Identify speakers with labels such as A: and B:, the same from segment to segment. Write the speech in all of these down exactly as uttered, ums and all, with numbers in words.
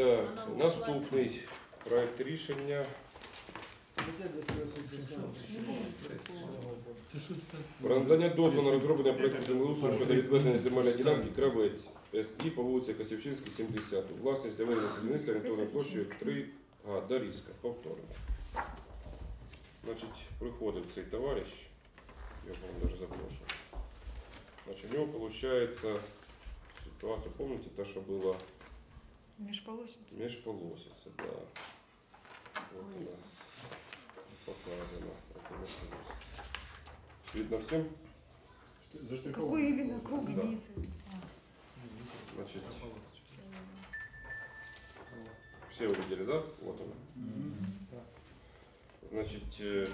A: Так, наступний проект рішення про надання дозволу на розроблення проекту землеустрою щодо відведення земельної ділянки Кравець СІ по вулиці Косівчинській, сімдесят. Власність для ведення садівництва орієнтовною площею три га. Дорізка. Повторно. Значить, приходив цей товариш, я вам навіть запрошую. Значить, у нього виходить ситуація, помните, та, що була
B: Межполосица.
A: межполосица, да. Вот она показана. Это межполосица. Видно всем?
B: Какой именно круг
A: Да.
B: имеется?
A: Значит, все увидели, да? Вот он. Значит, э,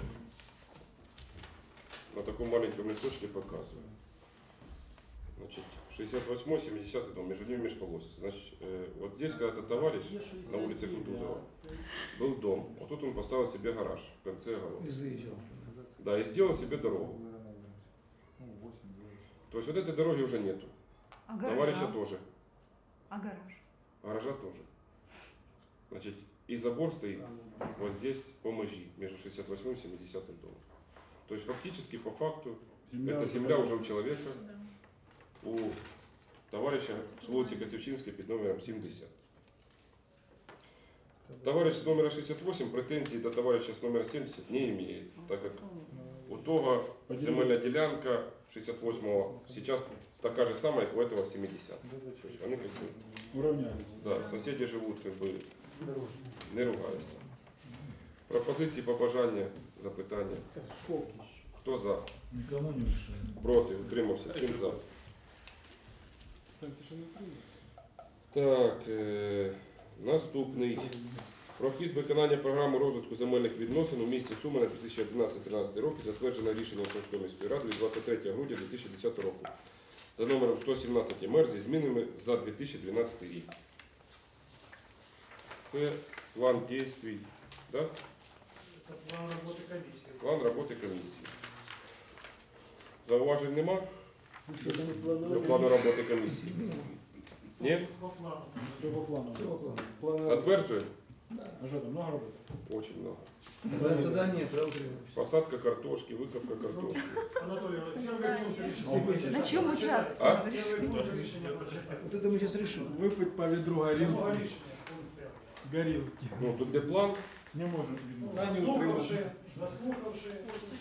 A: на таком маленьком листочке показываю. Значит, шестьдесят восьмой, семидесятый дом, между ними межполосица. Значит, э, вот здесь когда-то товарищ на улице Кутузова был дом. Вот тут он поставил себе гараж в конце огорода. Да, и сделал себе дорогу. То есть вот этой дороги уже нету.
B: А гаража?
A: Товарища тоже.
B: А гараж?
A: Гаража тоже. Значит, и забор стоит вот здесь по межи, между шестьдесят восьмым и семидесятым домом. То есть фактически, по факту, земля эта земля уже у человека, да. У товарища с улицы Косівчинської под номером семьдесят. Товарищ с номера шестьдесят восемь претензий до товарища с номера семьдесят не имеет, так как у того земельная делянка шестьдесят восьмого сейчас такая же самая, как у этого семьдесят. Они как бы
C: уравнялись.
A: Да, соседи живут как бы не ругаются. Пропозиції, побажання, запитання. Хто за?
C: Никому не мешает.
A: Проти, утримався, всім за. Так, е, наступний. Про хід виконання програми розвитку земельних відносин у місті Суми на дві тисячі одинадцятий тринадцятий роки, затверджено рішенням Сумської міської ради від двадцять третього грудня дві тисячі десятого року за номером сто сімнадцять ем ер зі змінами за дві тисячі дванадцятий рік. Це план дій, да?
D: План роботи комісії.
A: План роботи комісії. Зауважень нема? До плану роботи комісії? Ні?
D: По плану.
C: Все по плану.
A: Затверджуємо?
C: А что там, много работы?
A: Очень много.
E: Да, туда нет, правда?
A: Посадка картошки, выкопка картошки.
D: Анатолій, Анатолій,
B: На чем участке?
A: А?
B: Говоришь?
E: Вот это мы сейчас решим.
C: Выпить по ведру горилки. Горилки.
A: Ну, тут де план?
C: Не может видно.
D: Заслухавши, заслухавши.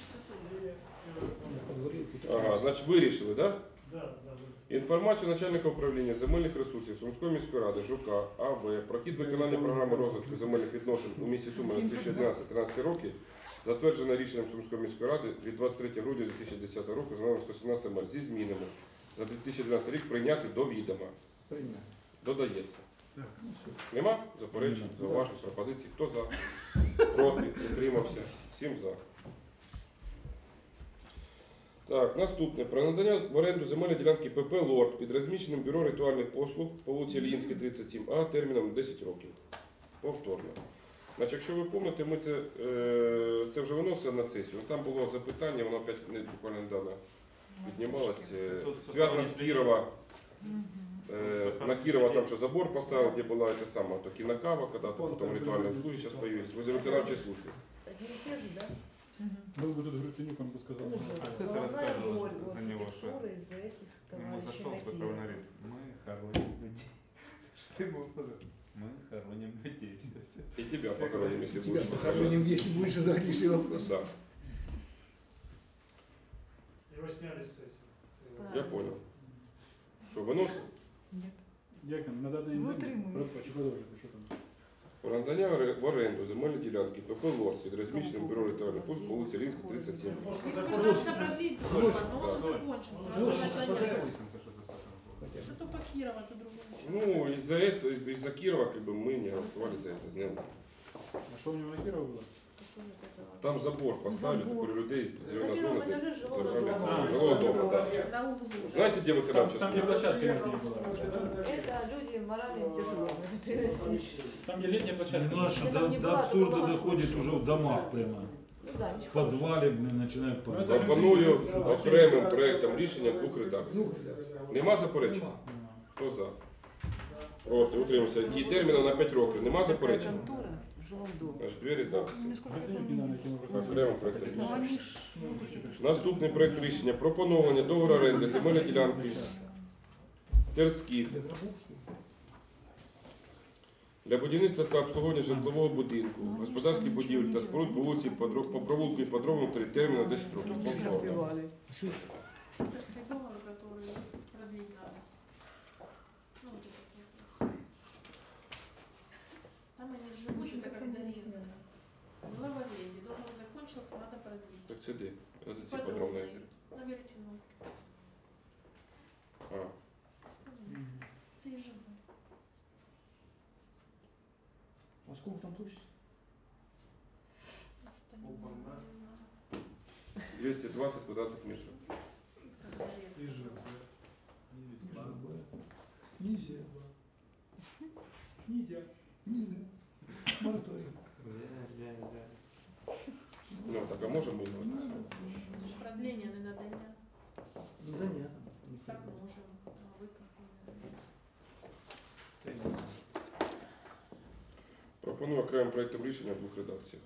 A: Ага, значить вирішили, да?
D: Да, да.
A: Інформацію начальника управління земельних ресурсів Сумської міської ради Жука А В про хід виконання програми розвитку земельних відносин у місті Суми на дві тисячі одинадцятий тринадцятий роки, затверджено рішенням Сумської міської ради від двадцять третього грудня дві тисячі десятого року за номером сто сімнадцять ем ер зі змінами за дві тисячі дванадцятий рік прийняти до відома. Додається. Нема заперечень, зауважень, пропозицій? Хто за? Проти? Утримався? Всім за. Так, наступне. Про надання в оренду земельної ділянки ПП «Лорд» під розміщеним бюро ритуальних послуг по вулиці Ільїнській, тридцять сім А терміном на десять років. Повторно. Значить, якщо ви пам'ятаєте, ми це, е, це вже виносили на сесію. Там було запитання, воно опять не, буквально недавно піднімалося. Зв'язано з Кірова. Е, на Кирова там что забор поставил, где была эта самая то кинокава, когда-то потом ритуальные услуги сейчас появились, возле виконавчей службы.
C: Был бы тут Гриценюк, он бы сказал.
F: Кто ты рассказывал за него, что ему зашел такой говорит, мы хороним людей. Что ты ему сказал? Мы хороним людей. Все, все.
A: И тебя похороним, если
E: Тебя
A: будешь.
E: похороним, если будешь задать вопрос.
A: Да,
D: Его сняли с сессии.
A: я понял. Что, выносим?
B: Нет.
C: Як там, на даний
B: Ну,
C: день?
B: утримуюсь.
C: Продовжуйте, продовжуйте, що там?
A: Про надання в оренду земельної ділянки ПП «Лорд» під розміщеним бюро ритуальних послуг по вулиці Ільїнській, тридцять сім.
D: Просто
G: Пытался продлить срок, но он
A: Да.
G: закончился.
E: Площадь,
G: Надо
E: что
G: понять.
F: Что
G: Это по Кирова, то другого.
A: Ну, из-за этого, из-за Кирова, как бы, мы не голосовали за это, сделали.
C: А що у нього на Кирова було?
A: Там забор поставили,
B: Забор.
A: такой людей,
G: На
A: зеленая
G: первом
A: зона,
G: этаже
A: где
G: жилого
A: заржавели.
G: дома.
A: Жилого дома, да.
G: На углу.
A: Знаете, где виконавча
C: Там, где
A: служба?
C: площадка летняя была.
G: Это люди морально тяжело надо переносить.
C: Там, где летняя площадка.
E: Наша
G: Если
E: до,
G: там не
E: до
G: была, то
E: абсурда
G: была
E: доходит
G: слышно.
E: уже в домах прямо.
G: Ну да,
E: В
G: ничего.
E: подвале, блин, начинают
C: Ну,
E: падать.
C: это-
A: Пропоную окремим проектом рішення двох редакцій. Нема заперечень? Хто за? Проти, утримався. І терміном на п'ять років. Нема
G: Такая
A: заперечень?
G: контора в жилом доме.
A: Значить, двері так.
B: Ну, сколько это
E: Оценить не
B: было?
E: надо, кино.
A: Окремо проект
B: Ну,
A: рішення.
B: они ж...
A: Наступний проект рішення про поновлення договору оренди земельної ділянки Терських для будівництва та обслуговування житлового будинку, господарських будівель та споруд по вулиці Подро- по провулку і подробному три терміна десять років. Повторно.
G: Убивали.
H: Кажется, договор, который продлить надо. Ну, вот этот вот. Там они живут, это как Даринская. В Лавоведе. Договор закончился, надо продлить.
A: Так це де? Це ці подробно.
H: На Веретеновке.
A: А,
H: Це і живе.
E: А сколько там площадь?
H: Там, не знаю,
A: двести двадцать квадратных метров.
H: как Даринская.
E: Нельзя.
C: Нельзя.
E: Нельзя. Мораторий.
A: Ну, так, а можем мы его?
H: Это ж продление не надо.
E: Ну, да нет.
H: Так можем. А вы как?
A: Пропоную окремим проєктом рішення в двох редакціях.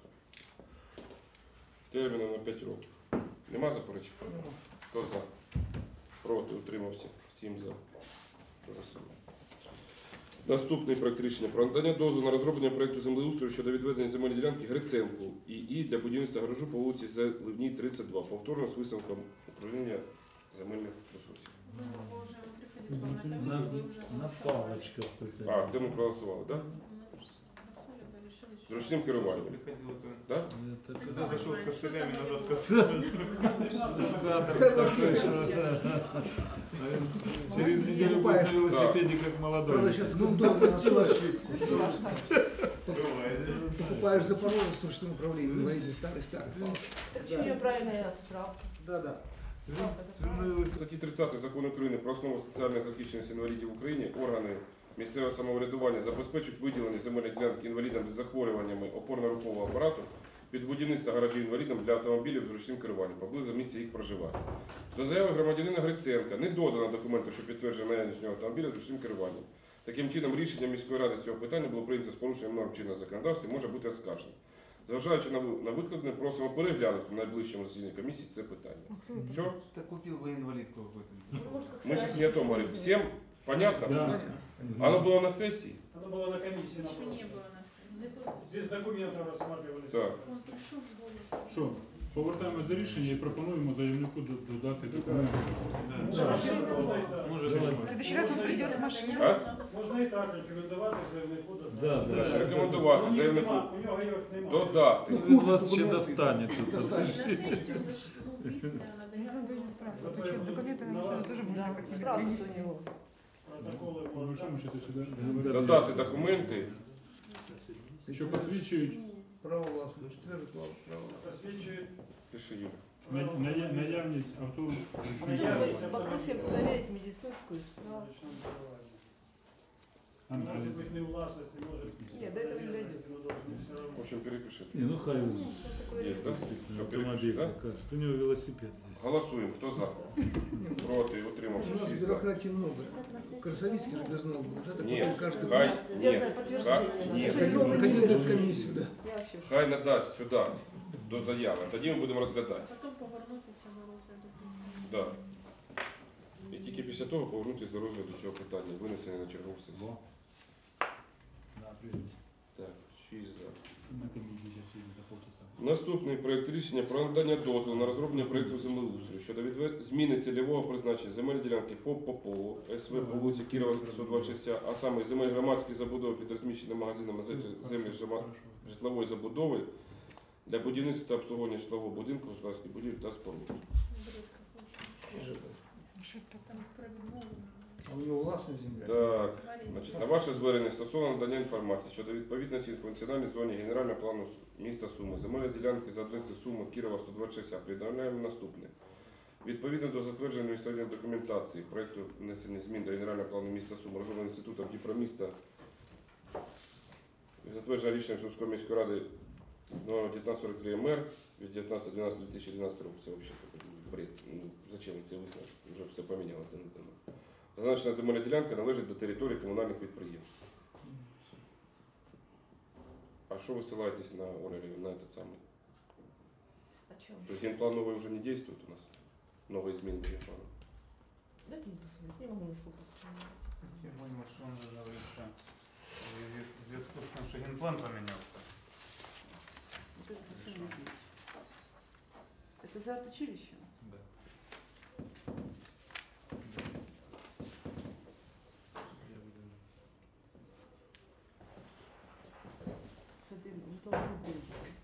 A: Терміном на п'ять років. Нема заперечень? Хто за? Проти, утримався. сім за. Те же саме. Наступний проект рішення про надання дозволу на розроблення проєкту землеустрою щодо відведення земельної ділянки Гриценку і І для будівництва гаражу по вулиці Заливній, тридцять два. Повторно з висновком управління земельних ресурсів.
H: Вы уже приходили к вам на
E: На,
H: комиссию, вы уже
E: на
H: голосовали.
E: палочках приходили.
A: А, це ми проголосували, так? Да?
H: Мы голосовали, вы решили,
A: З
H: что-
A: ручним керуванням.
F: Приходило, то
A: Да?
E: Это
F: сюда зашел с костылями, назад
E: кадр
F: костылями.
E: такой, что... Через неделю будет на велосипеде как молодой.
G: Правда, сейчас удобно
E: допустил ошибку.
F: Бывает.
E: Покупаешь Запорожец с ручным управлением, инвалидный старый-старый.
G: Так что у нее правильная справка.
E: Да-да.
A: В статті тридцять Закону України про основу соціальної захищеності інвалідів в Україні органи місцевого самоврядування забезпечують виділення земельних ділянок інвалідам з захворюваннями опорно-рухового апарату під будівництво гаражів інвалідам для автомобілів з ручним керуванням поблизу місця їх проживання. До заяви громадянина Гриценка не додано документу, що підтверджує наявність у нього автомобіля з ручним керуванням. Таким чином, рішення міської ради з цього питання було прийнято з порушенням норм чинного законодавства і може бути оскаржено. Зважаючи на ви- на викладене, просимо переглянути в найближчому засіданні комісії це питання. Все?
F: Так купил бы инвалидку какую-то.
G: Ну, может, как
A: Мы сейчас
G: сарайчик
A: не о том говорим.
G: сделать.
A: Всем понятно?
E: Да.
A: Оно было на сессии?
D: Оно было на комиссии на
H: Еще не
D: прошлой.
H: было на сессии.
D: Без документов рассматривались.
A: Так.
H: Он пришел с голосом.
C: Що? Повертаємось до рішення і пропонуємо заявнику до- додати документи.
F: Да.
D: Машина можно и так.
F: Может,
E: Давай.
B: В следующий раз он придет с машиной.
A: А?
D: Можно и так рекомендовать заявнику додати.
E: Да, да.
A: Значить, рекомендувати
D: У них
A: заявнику
D: нема, у нього їх немає.
A: додати.
E: Ну,
C: Вас ще достане тут.
H: На сессию лишь, ну, письменно надо.
B: Я забыла не справку. Ты что, документы нам что, тоже можно
G: Да,
B: как-нибудь
G: справку
B: принести?
G: у него.
D: Протоколи
C: Ну, що ми ще сюди?
A: Додати документи.
C: Що посвідчують
E: Право власности. Четвертый право власности.
D: засвідчують
A: Пиши, Юля.
C: на- ная- наявність авто.
G: Потом вы попросим проверить медицинскую справку.
D: Может быть не в власності, може
G: Нет, до этого не дойдет.
D: но должен все
A: В
D: равно.
A: общем, перепиши.
E: Не, ну хай он.
A: Есть, да? Все, перепиши,
E: Автомобиль
A: да?
E: покажет. У него велосипед есть.
A: Голосуємо. Хто за? Проти, утримався.
E: У нас
A: Всі за.
E: бюрократии много. Красовицкий же должно быть. Да, так
A: Нет,
E: вот каждый
A: хай,
G: Я
A: ні,
G: знаю,
A: хай,
G: подтверждение.
A: ні.
G: Жилье мы
E: Ходил
G: не
E: в
G: можем.
E: комиссию, да.
G: Я вообще в
A: Хай надасть сюди до заяви. Тоді ми будемо розглядати.
H: Потом повернутися до розгляду письма.
A: Да. І тільки після того повернутися до розгляду цього питання, винесення на чергову сесію.
C: Да, привіт.
A: Так, шість за.
C: На комісії зараз їде за полчаса.
A: Наступний проект рішення про надання дозволу на розроблення проєкту землеустрою щодо відвед... зміни цільового призначення земельної ділянки ФОП Попово, СВ по вулиці Кірова, сто двадцять шість, а саме земель громадської забудови під розміщеним магазином на землі жима- житлової забудови для будівництва та обслуговування житлового будинку, господарських будівель та споруд.
H: Брідко хоче.
B: Ошибка.
H: Там провідмовлено.
E: А у него властная земля.
A: Так, значить, на ваше звернення стосовно надання інформації щодо відповідності в функціональній зоні генерального плану Су- міста Суми, земельної ділянки за адресою Суми, Кірова, сто двадцять шість, а повідомляємо наступне. Відповідно до затвердженої адміністративної документації проєкту внесення змін до генерального плану міста Суми, розробленого інститутом Дніпроміста, затверджено рішенням Сумської міської ради номер дев'ятнадцять сорок три ем ер від дев'ятнадцятого дванадцятого дві тисячі дванадцятого року. Це взагалі такий бред. Ну, зачем цей висновок? Вже все помінялося. Зазначена земельна ділянка належить до території комунальних підприємств. А що ви ссилаєтесь на Оля Леонідовна, на этот самый?
G: О чем?
A: То есть генплан новый уже не действует у нас? Новые изменения генплана?
G: Дайте мне посмотреть, я могу на слух посмотреть.
F: Я понял, что он же говорит, что в зв'язку з тим, що генплан помінявся.
G: Вот это хочу видеть. Это за училищем?
F: Да.
G: Смотри, ну то будет.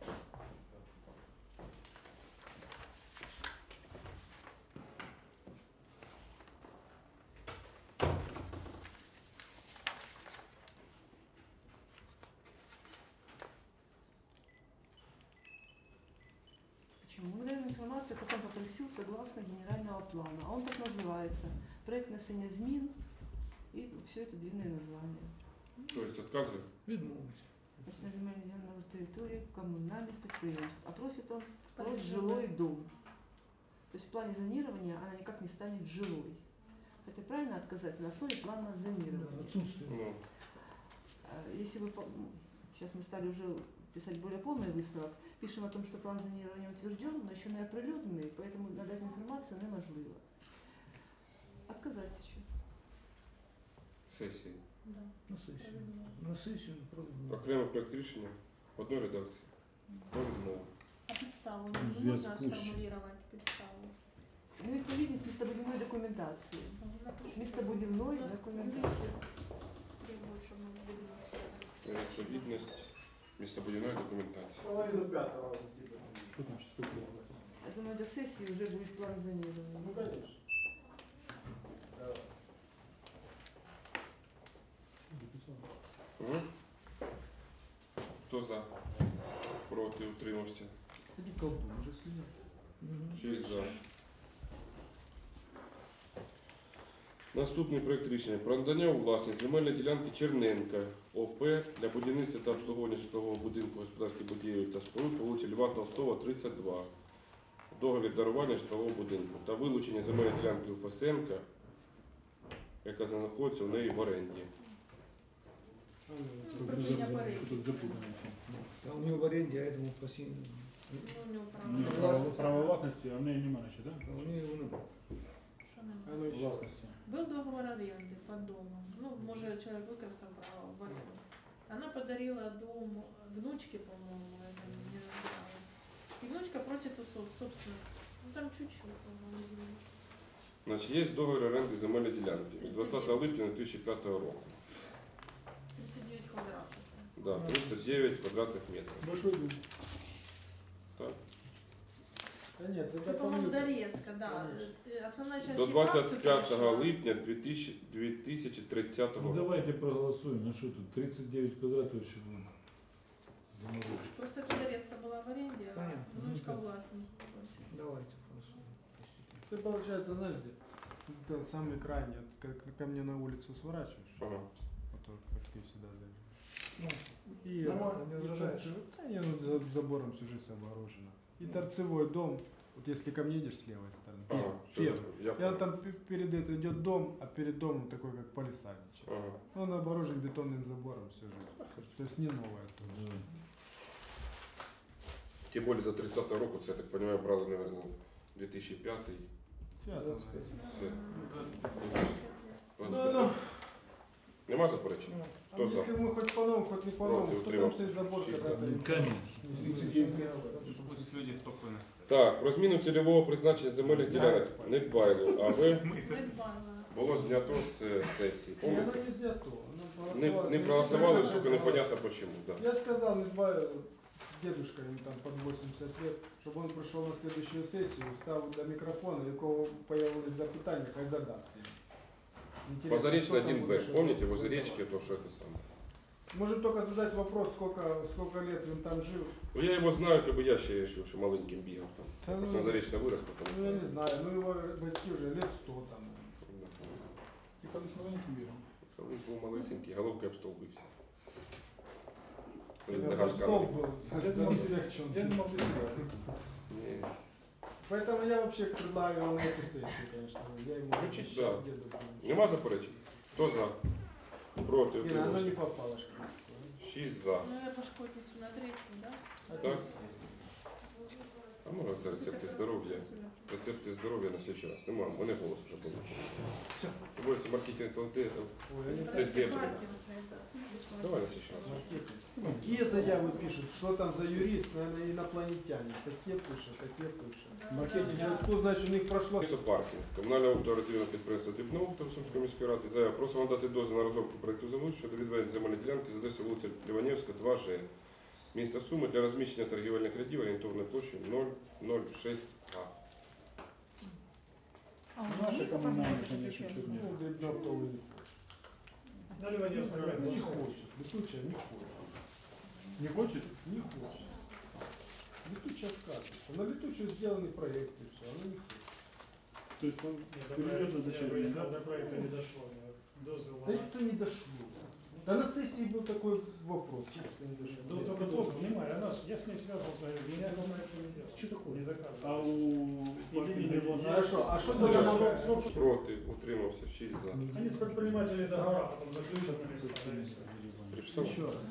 G: Почему? Мы даем информацию, как он попросил согласно генерального плана. А он так называется. Проект несення змін и все это длинное название.
A: То есть отказы?
E: Відмовити.
G: Значит, на земельной территории коммунальных предприятий. А просит он
H: Под
G: второй жилой дом. То есть в плане зонирования она никак не станет жилой. Хотя правильно отказать на основе плана зонирования.
E: Отсутствие.
A: Ну,
G: А Если вы, по- ну, сейчас мы стали уже писать более полный выставок, пишем о том, что план зонирования утвержден, но еще не оприлюднений, поэтому надать информацию неможливо. Отказать сейчас.
A: сесії.
H: Да.
E: На сесію. На сесію проведемо.
A: Окремий проект рішення в одній редакції. Про відмову.
H: А підставу
E: В
H: не можна
E: зв'язку з-
H: сформулювати підставу?
G: Ну, відповідність містобудівної документації. Містобудівної документації.
H: Требують, щоб ми були.
A: Відповідність містобудівної документації.
C: Половину пятого. Типа.
E: Що там ще таке?
G: Я думаю, до сессии уже будет план
C: Ну,
G: зонирования.
C: конечно. Давай.
A: Угу. Хто за? Проти, утримався.
E: Тоді колдун вже сидять.
A: шість за. Наступний проект рішення про надання у власність земельної ділянки Черненка ОП для будівництва та обслуговування житлового будинку господарських будівель та споруд по вулиці Льва Толстого, тридцять два. Договір дарування житлового будинку та вилучення земельної ділянки у Фесенка, яка знаходиться у неї в оренді.
H: Припинення переліку.
E: Що тут запутано? А у нього в оренді, а этому постійно.
H: Ну, у нього
I: Ну,
H: право.
I: право, право власності, а в неї немає нічого, так?
E: А у нього воно.
H: Що немає?
C: Оно еще.
I: Власності.
H: Был договор аренды под домом. Ну, может, человек выкористал право в аренду. Она подарила дом внучке, по-моему, это не разбиралась. И внучка просит у соб- собственность. Ну, там чуть-чуть, по-моему, земли.
A: Значить, є договір оренди земельної ділянки від двадцятого липня дві тисячі п'ятого року.
H: тридцать девять квадратов.
A: Да, тридцять дев'ять квадратних метрів.
E: Большой дом.
A: Так.
C: Да нет,
H: Это,
C: это
H: по-моему,
C: помню.
H: дорезка, да. Э, Основная часть
A: До
H: и так
A: двадцять п'ятого
H: пришла.
A: липня дві тисячі дві тисячі тридцятого
E: Ну
A: року.
E: давайте проголосуємо. Ну що тут, тридцять дев'ять квадратів, щоб воно. заморочити.
H: Просто эта дорезка была в аренде, а
E: Понятно.
H: внучка
E: Ну,
H: властность.
E: Давайте проголосуємо.
C: Ты, получается, знаешь, где? Это самый крайний, вот как ко мне на улицу сворачиваешь,
A: Ага.
C: вот так, как ты сюда дальше.
E: Ну,
C: И,
E: Нормально, не
C: и
E: возражаешь?
C: торцевой- да не, ну за забором всю жизнь оборожено. И торцевой дом, вот если ко мне едешь с левой стороны,
A: Ага,
C: пер-
A: все,
C: первый.
A: я
C: И
A: понял.
C: он там пе- перед это идет дом, а перед домом такой как палисадничек.
A: Ага.
C: Он оборожен бетонным забором всю жизнь. То есть не новое тоже.
E: давай.
A: Тим більше до тридцятого року, це, я так розумію, брали, мабуть, дві тисячі п'ятий.
C: Всё,
E: двадцать
C: это-
E: пять.
A: Все.
C: Ну, ну,
A: Нема заперечень?
C: а
A: Кто за?
C: если мы хоть по-новому, хоть не по-новому,
A: Против,
C: кто там
A: утримался.
C: цей забор
A: Шесть
C: когда-то...
E: Ну, конечно.
C: тридцать девять
F: Пусть люди спокійно сплять.
A: Так, про зміну цільового призначення земельних ділянок Недбайло, а ви
F: Ми це-
H: Недбайла.
A: було знято з е, сесії.
C: Не, оно
A: Помните?
C: не снято. Оно
A: Не,
C: проголосовалось.
A: не проголосували,
C: Согласен.
A: тільки непонятно почему. Да.
C: Я сказал, не два дедушка ему там под восемьдесят лет, чтобы он пришел на следующую сессию, встав до микрофона, и у кого появились запитания, хай задаст им. Интересно,
A: Позаречный
C: кто там
A: один Б,
C: будет, что
A: помните,
C: там
A: возле
C: задавать.
A: речки, то, что это самое.
C: Может только задать вопрос, сколько, сколько лет он там жил.
A: Ну, я его знаю, как бы я ще решил, что маленьким бігав там.
C: Та ну,
A: Просто он заречно вырос, потом.
C: Ну я не знаю, ну его батьки уже лет сто там.
I: І колись маленьким бігав.
A: Коли був малесенький, головкою об стол бився. Коли
C: Это
A: на
C: под
A: Гашка
C: стол
A: наліг.
C: был,
I: Я
C: за
I: думал,
C: всех, чем
I: Я не мав дитина.
A: Ні.
C: Поэтому я вообще предлагаю его на эту сессию, конечно. Я ему
A: Включить, да.
C: деду.
A: Нема заперечень? Хто за? Проти,
C: Ира, оно
A: утримався.
C: не попало. что ли?
A: шість за.
H: Ну я пошку отнесу на третью, да?
A: Так. А може це рецепти здоров'я? Рецепти здоров'я на слідчий раз. Нема, вони голос вже получили. Вулиця маркетинг ТЛТ.
C: Ой, они
A: Ти
C: так-
A: де?
H: Паркинг это.
A: Давай на слідчий раз.
C: Какие заявы пишут? Что там за юрист? Наверное, инопланетяне. Такие пишут, такие пишут.
I: Маркетинг.
C: Я скажу, значит, у них прошло.
A: Паркінг. Комунальне оперативне підприємство Діпноуктор Сумської міської ради. Заява. Просимо надати дозвіл на розробку проєкту землі щодо відведення земельної ділянки за адресою вулиця Ліванівська, два Ж. Місто Суми для розміщення торгівельних рядів орієнтовною площею нуль нуль шість га.
B: А уже
I: Наши
B: есть
I: коммунальные,
B: оформление
I: конечно,
B: таких?
I: чуть не.
C: Ну, грибнопtovый не
D: На Ливаневском
C: хочет. Не
D: районе.
C: хочет. Летучая не хочет.
I: Не хочет?
C: Не хочет. Летучая отказывается. На летучую сделаны проекты, все, она не хочет.
I: То есть он
D: Нет, до
I: перейдет
D: проекта-
I: на дочернее,
D: до-
I: да?
D: До проекта не дошло. Дозвел
C: Да
D: на-
C: это не дошло. Да на сессии был такой вопрос, это не дошло.
D: Ну, только дозвел, немає, она ж- я с ней связывался, говорю, меня на это не делал. Что такое? Не заказывал.
I: А у
D: Иди, иди,
C: Хорошо, а что
D: Срок-
C: тогда
D: срок- срок-
A: Проти, утримався, шість за.
D: Они с предпринимателями договора потом заключат на место. да, и всё.
A: Приписав?
C: Еще раз.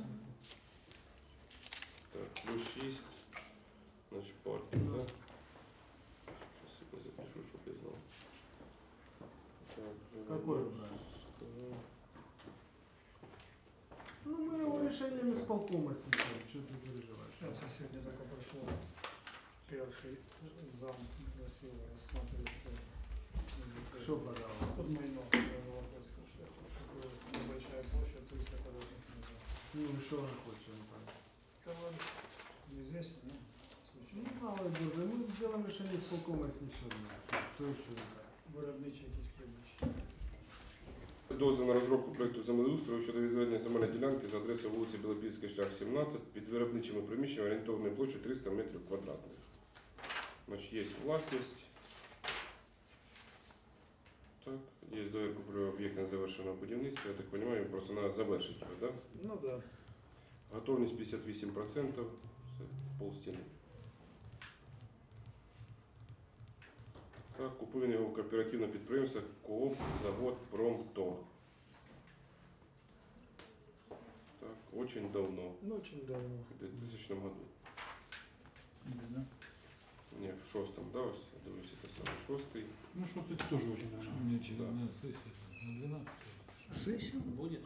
A: Так, плюс шість. Значить, паркінг, так? Щас я запишу, щоб я знав. Так,
C: Какой
A: зараз
C: брать?
A: скажу.
C: Ну мы его решением исполкома снесем, что ты переживаешь?
D: Это сегодня только прошло. Первый зам красиво рассматривает.
C: Что пожалуйста?
D: Под мой ног, вопрос, что такое небольшая площадь, триста квадратных метров.
C: Ну и что он хочет, он там?
D: Товарищ, неизвестно, ну,
C: Ну
D: случайно.
C: мало боже, мы сделаем решение исполкома и снесем. Что еще брать?
D: Виробничі якісь приміщення.
A: Дозвіл на розробку проєкту землеустрою щодо відведення земельної ділянки за адресою вулиці Білопільський шлях, сімнадцять, під виробничими приміщеннями орієнтовною площею триста метрів квадратних. Значить, є власність. Так, є довідка про об'єкт незавершеного будівництва. Я так розумію, просто треба завершити його, так? Да?
D: Ну да.
A: Готовність п'ятдесят вісім відсотків, це полстіни. Так, купує його кооперативне підприємство КООП Завод Промторг. Так, очень давно,
D: Ну, очень давно.
A: в двухтысячном году.
I: Да.
A: Не, в шостом, да, ось, я дивлюся, це саме шостий.
I: Ну что, кстати, тоже очень давно.
E: Мне через на сессии на двенадцатое.
D: Сессия будет?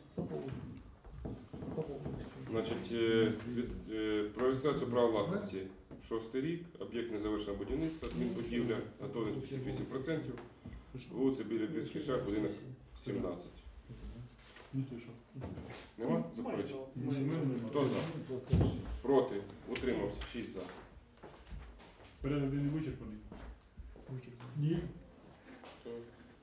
A: Значить, е, від, е, про реєстрацію права власності шостий рік, об'єкт незавершеного будівництва, адмінбудівля, готовність п'ятдесят вісім відсотків, вулиця Білопільський шлях, будинок сімнадцять.
I: Не слышал.
A: Нема заперечень?
D: Мы-
A: Хто за? Проти, утримався, шість за.
I: Порядок денний вичерпаний.
C: Нет.
A: Так.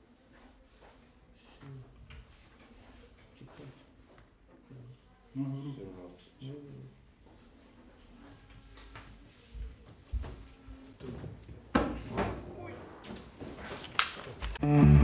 I: Ну, говорю,
A: сімнадцять.